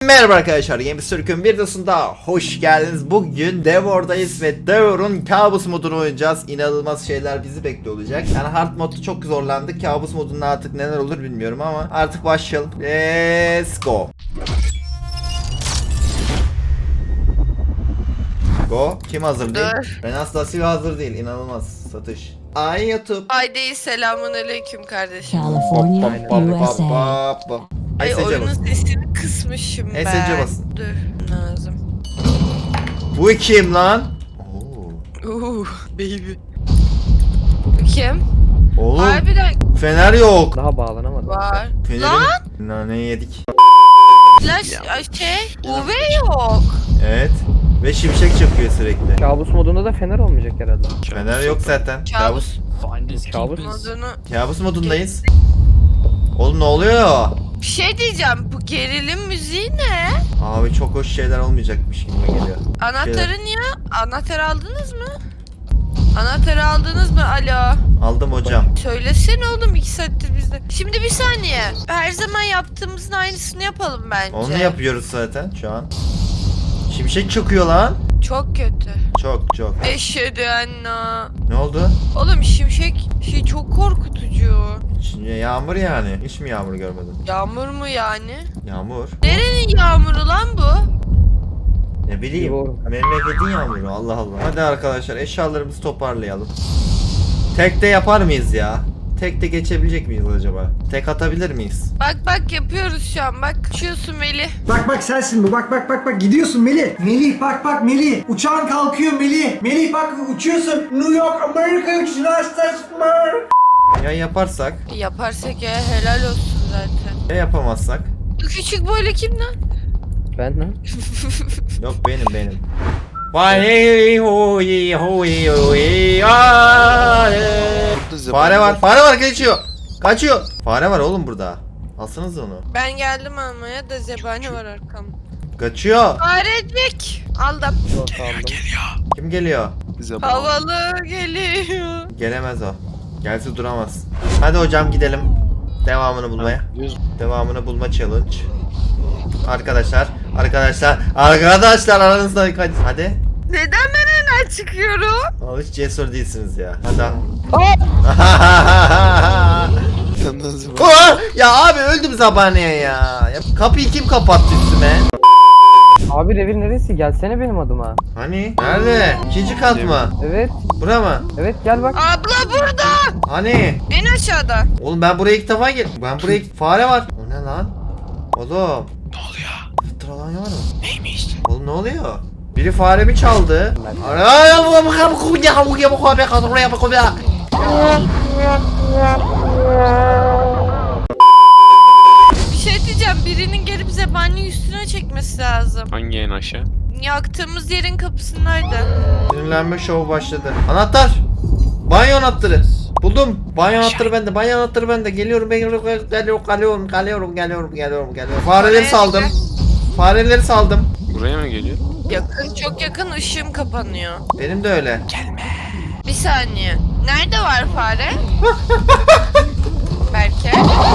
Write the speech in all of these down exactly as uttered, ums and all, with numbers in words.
Merhaba arkadaşlar, Games Türk'ün bir videosunda hoş geldiniz. Bugün Devor'dayız ve Devor'un kabus modunu oynayacağız. İnanılmaz şeyler bizi bekliyor olacak. Yani hard modda çok zorlandık. Kabus modunda artık neler olur bilmiyorum ama artık başlayalım. Let's go. Go. Kim hazır değil? Dur. Ben asla silah hazır değil. İnanılmaz. Satış. Ay YouTube. Ay değil, selamun aleyküm kardeşim. California, U S A. Ay Ay oyunun basın. sesini kısmışım ben. S C basın. Dur lazım. Bu kim lan? Oo. Uuu baby. Bu kim? Oğlum Harbiden fener yok. Daha bağlanamadım. var. Fenerin Lan naneyi yedik. flash ay şey U V yok. Evet. Ve şimşek çakıyor sürekli. Kabus modunda da fener olmayacak herhalde. Fener yok zaten. Kabus. Kabus. Modunu. Kabus modundayız. Oğlum ne oluyor? Bir şey diyeceğim, bu gerilim müziği ne? Abi çok hoş şeyler olmayacakmış gibi geliyor. Anahtarı niye? Anahtarı aldınız mı? Anahtarı aldınız mı? Alo. Aldım hocam. Söylesene oğlum, iki saattir bizde. Şimdi bir saniye. Her zaman yaptığımızın aynısını yapalım bence. Onu yapıyoruz zaten şu an. Şimşek çakıyor lan. Çok kötü. Çok çok. Eşhedü enna. Ne oldu? Oğlum şimşek şey çok korkutucu. Şimdi yağmur yani. Hiç mi yağmur görmedin? Yağmur mu yani? Yağmur. Nerenin yağmuru lan bu? Ne bileyim. Doğru. Memleketin yağmuru. Allah Allah. Hadi arkadaşlar eşyalarımızı toparlayalım. Tek de yapar mıyız ya? Tek de geçebilecek miyiz acaba? Tek atabilir miyiz? Bak bak yapıyoruz şu an, bak. Uçuyorsun Melih. Bak bak sensin bu. Bak bak bak bak gidiyorsun Melih. Melih bak bak Melih. Uçağın kalkıyor Melih. Melih bak uçuyorsun. New York Amerika United States of America. Ya yaparsak? Yaparsak ya helal olsun zaten. Ya yapamazsak? Bu küçük boylu kim lan? Ben lan. Yok benim benim. Vay huy huy huy ay. Fare var. Fare var kaçıyor. Kaçıyor. Fare var oğlum burada. Alsanız onu. Ben geldim almaya da zebani var arkamda. Kaçıyor. Farecik. Aldım. Yok aldım. Kim geliyor? Havalı geliyor. Gelemez o. Gelse duramaz. Hadi hocam gidelim. Devamını bulmaya. Devamını bulma challenge. Arkadaşlar, arkadaşlar, arkadaşlar aranızda kaç. Hadi. Neden ben hemen çıkıyorum? Abi hiç cesur değilsiniz ya. Hadi. Aa! Ya abi öldüm zabaneye ya. Ya kapıyı kim kapattı üstüme? Abi revir neresi? Gelsene benim adıma. Hani? Nerede? İkinci kat mı? Evet. Bura mı? Evet gel bak. Abla burada. Hani? En aşağıda. Oğlum ben buraya ilk defa gel. Ben buraya ilk... Fare var. O ne lan? Oğlum. Ne oluyor? Fıtralan var mı? Neymiş? Oğlum ne oluyor? Biri faremi çaldı. Bir şey diyeceğim. Birinin gelip zebani üstüne çekmesi lazım. Hangi en aşağı? Yaktığımız yerin kapısındaydı. Sinirlenme şovu başladı. Anahtar. Banyo anahtarı. Buldum. Banyo anahtarı bende. Banyo anahtarı bende. Geliyorum, geliyorum, geliyorum, geliyorum, geliyorum, geliyorum, geliyorum, geliyorum. Fareleri saldım. Fareleri saldım. Buraya mı geliyor? Yakın, çok yakın, ışığım kapanıyor. Benim de öyle. Bir saniye. Nerede var fare? Berke.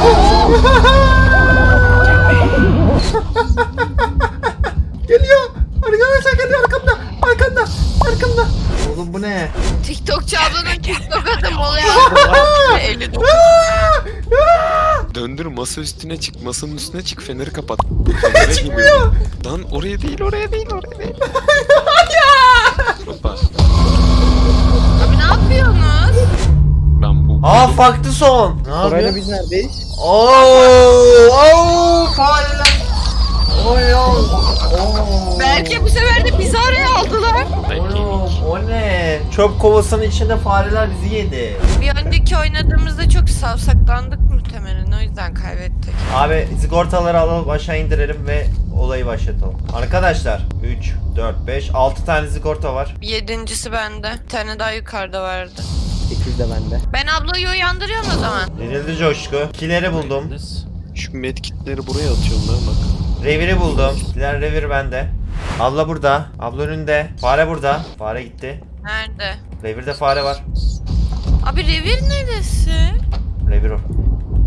Geliyor. Arkadaşlar geliyor arkamda. Arkamda. Arkamda. Oğlum bu ne? TikTokçu ablanın TikTok adım oluyor. Eli dokun. Döndür, masa üstüne çık, masanın üstüne çık, feneri kapat. Fenere çıkmıyor. Lan oraya değil, oraya değil, oraya değil. Hoppa. Abi ne yapıyorsunuz? Ben bu... Aa farklı son. Ne Orayla yapıyor? biz neredeyiz? Oo, oo, fareler. Oy, oy, oo. Belki bu sefer de bizi araya aldılar. Belki. Oğlum o ne? Çöp kovasının içinde fareler bizi yedi. Bir önceki oynadığımızda çok savsaklandık muhtemelen, o yüzden kaybettik. Abi sigortaları alalım aşağı indirelim ve olayı başlatalım. Arkadaşlar üç, dört, beş, altı tane sigorta var. Yedincisi bende. Bir tane daha yukarıda vardı. sekiz de bende. Ben ablayı uyandırıyorum o zaman. Denildi coşku. Kileri buldum. Şu medkitleri buraya atıyorum ben bak. Reviri buldum. Kiler revir bende. Abla burada. Abla önünde. Fare burada. Fare gitti. Nerede? Revirde fare var. Abi revir neresi? Revir o.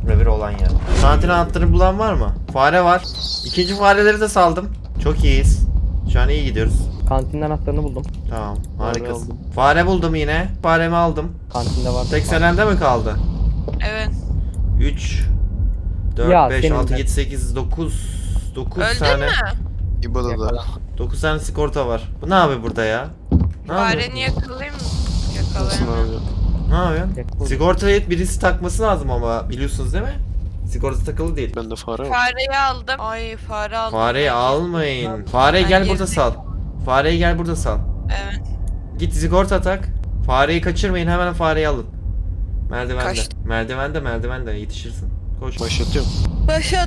Revir olan yer. Kantin anahtarını bulan var mı? Fare var. İkinci fareleri de saldım. Çok iyiyiz. Şu an iyi gidiyoruz. Kantinin anahtarını buldum. Tamam, Fare harikasın. aldım. Fare buldum yine. Faremi aldım. Kantinde var. Tek selende mi kaldı? Evet. üç, Ya, dört, beş, senin altı, de. yedi, sekiz, dokuz, dokuz Öldün tane. mü? İbada'da. dokuz tane sigorta var. Bu ne abi burada ya? Ne yapıyor? Fareni yakalayayım mı? Nasıl Yakalayayım. abi? Ne yapıyorsun? Yakaladım. Sigortayı birisi takması lazım ama biliyorsunuz değil mi? Sigorta takılı değil. Bende fare var. Fareyi aldım. Ay fare aldım. Fareyi almayın. Fareyi Ben gel girdim. burada sal. Fareyi gel burada sal. Evet. Git sigorta tak. Fareyi kaçırmayın, hemen fareyi alın. Merdivende. Kaçtı. Merdivende merdivende yetişirsin. Koş. Başlatıyorum. Başlat.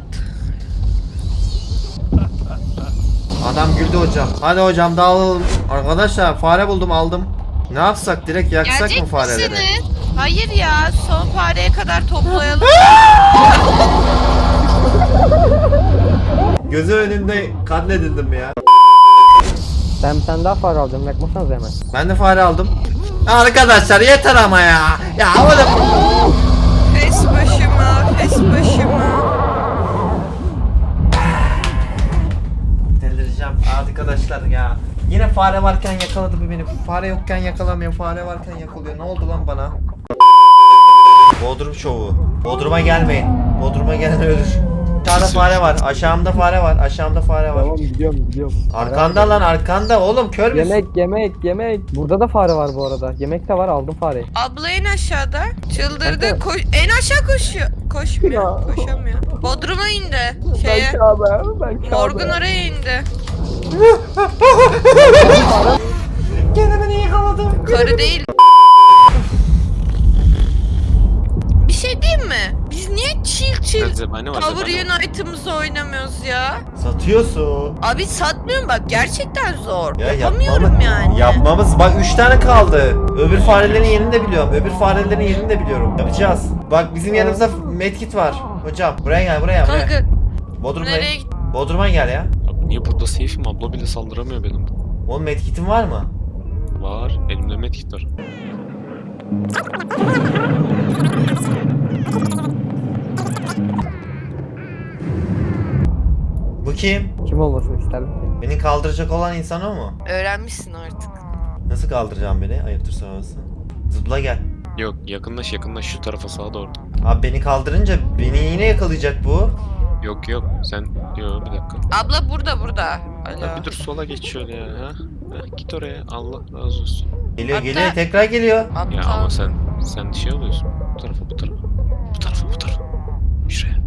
Adam güldü hocam. Hadi hocam dağılalım. Arkadaşlar fare buldum aldım. Ne yapsak, direkt yaksak Gelecek mı fareleri? misiniz? Hayır ya, son fareye kadar toplayalım. Gözü önünde katledildim ya. Ben bir tane daha fare alacağım. Yakmasanız hemen. Ben de fare aldım. Arkadaşlar yeter ama ya. Ya havada. Fes başıma, fes başıma. Delireceğim arkadaşlar ya. Yine fare varken yakaladı bu beni. Fare yokken yakalamıyor. Fare varken yakalıyor. Ne oldu lan bana? Bodrum şovu. Bodrum'a gelmeyin. Bodrum'a gelen ölür. Aşağıda fare var. Aşağımda fare var. Aşağımda fare var. Tamam gidiyorum gidiyorum. Arkanda lan arkanda. Oğlum kör müsün? Yemek yemek yemek. Burada da fare var bu arada. Yemek de var, aldım fareyi. Abla en aşağıda. Çıldırdı. Kanka. Koş, en aşağı koşuyor. Koşmuyor. Ya. Koşamıyor. Bodrum'a indi. Şeye. abi. Ben Morgun oraya indi. Gene beni yakaladı. Karı değil. Bir şey diyeyim mi? Biz niye chill chill Zebani var. Power zebani var. Unite'ımızı oynamıyoruz ya? Satıyorsun. Abi satmıyorum bak, gerçekten zor. Ya Yapamıyorum yapmamı- yani. Yapmamız bak üç tane kaldı. Öbür farelerin yerini de biliyorum. Öbür farelerin yerini de biliyorum. Yapacağız. Bak bizim yanımızda medkit var. Hocam buraya gel buraya buraya. Kanka Bodrum'a nereye git? Bodrum'a gel ya. Abi niye burada safe'im? Abla bile saldıramıyor benim. Oğlum medkitin var mı? Var. Elimde medkit var. Bu kim? Kim olmasını isterdim ki? Beni kaldıracak olan insan o mu? Öğrenmişsin artık. Nasıl kaldıracağım beni? Ayıptır sorması. Zıpla gel. Yok yakınlaş yakınlaş şu tarafa sağa doğru. Abi beni kaldırınca beni yine yakalayacak bu. Yok yok sen yok bir dakika. Abla burada burada. Ya Alo. bir dur sola geç şöyle ya. Ha? Ha, git oraya Allah razı olsun. Geliyor Hatta- geliyor tekrar geliyor. Aptal. Ya ama sen sen şey oluyorsun. Bu tarafa bu tarafa. Bu tarafa bu tarafa. Şuraya.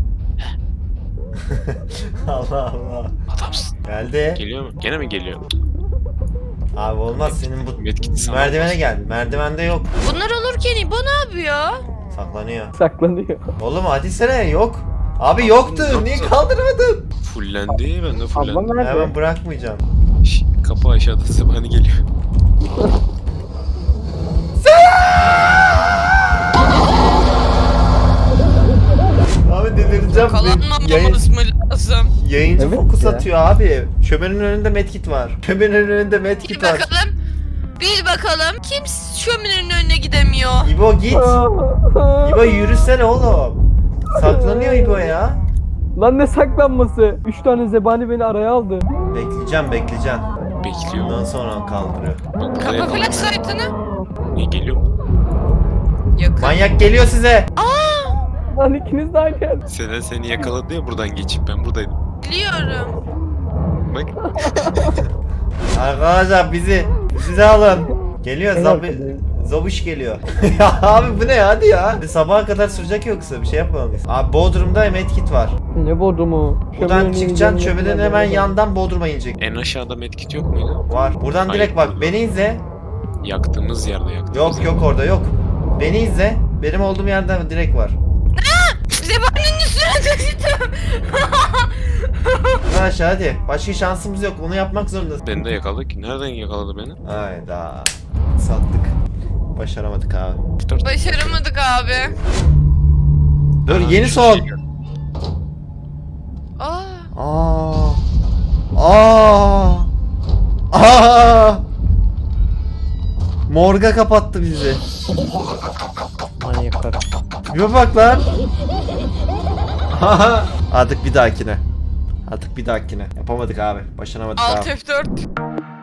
Allah Allah. Adamsın. Geldi. Geliyor mu? Gene mi geliyor? Abi olmaz senin bu Medkit sana merdivene olmaz. gel. Merdivende yok. Bunlar olurken İbo ne yapıyor? Saklanıyor. Saklanıyor. Oğlum hadi sene yok. Abi yoktu. Yoktu. Niye kaldırmadın? Fullendi ben de Ablam fullendim. nerede? Hemen bırakmayacağım. Şş, kapı aşağıda zebani geliyor. Abi delireceğim. Yakalanmamamız mı lazım? Yayıncı Evet fokus ya. atıyor abi. Şömenin önünde medkit var. Şömenin önünde Bil medkit var. bakalım. Bil bakalım. Kim şöminenin önüne gidemiyor? İbo git. İbo yürüsene oğlum. Saklanıyor İbo ya. Lan ne saklanması? Üç tane zebani beni araya aldı. Bekleyeceğim bekleyeceğim. Bekliyor. Ondan sonra kaldırıyor. Bak buraya Kapa kaldı. flash site'ını. Niye geliyor mu? Yakın. Manyak geliyor size. Lan ikiniz de aynı yerde. Selen seni yakaladı ya buradan geçip ben buradaydım. Biliyorum. Bak Arkadaşlar bizi bizi alın. Geliyor En zobi arkadayım. zobuş geliyor. Ya abi bu ne hadi ya. Sabaha kadar sürecek yoksa bir şey yapmalıyız. Abi Bodrum'da medkit var. Ne bodrumu? Buradan Şöminenin çıkacaksın yanına şöminenin kadar hemen geldim. yandan Bodrum'a inecek. en aşağıda medkit yok muydu? Var. Buradan Hayır, direkt bak burada. beni izle. Yaktığımız yerde yaktığımız Yok yerde. yok orada yok. Beni izle. Benim olduğum yerden direkt var. Zebaninin üstüne düştüm. Ha aşağı hadi. Başka şansımız yok. Onu yapmak zorundasın. Beni de yakaladı ki. Nereden yakaladı beni? Hayda. Sattık. Başaramadık abi. Dört. Başaramadık abi. Dur Aa, yeni şu son. şey geldi. Aa. Aa. Aa. Aa. Morga kapattı bizi. Manyaklar. Bir bak lan. Artık bir dahakine. Artık bir dahakine. Yapamadık abi. Başaramadık Alt abi. F dört.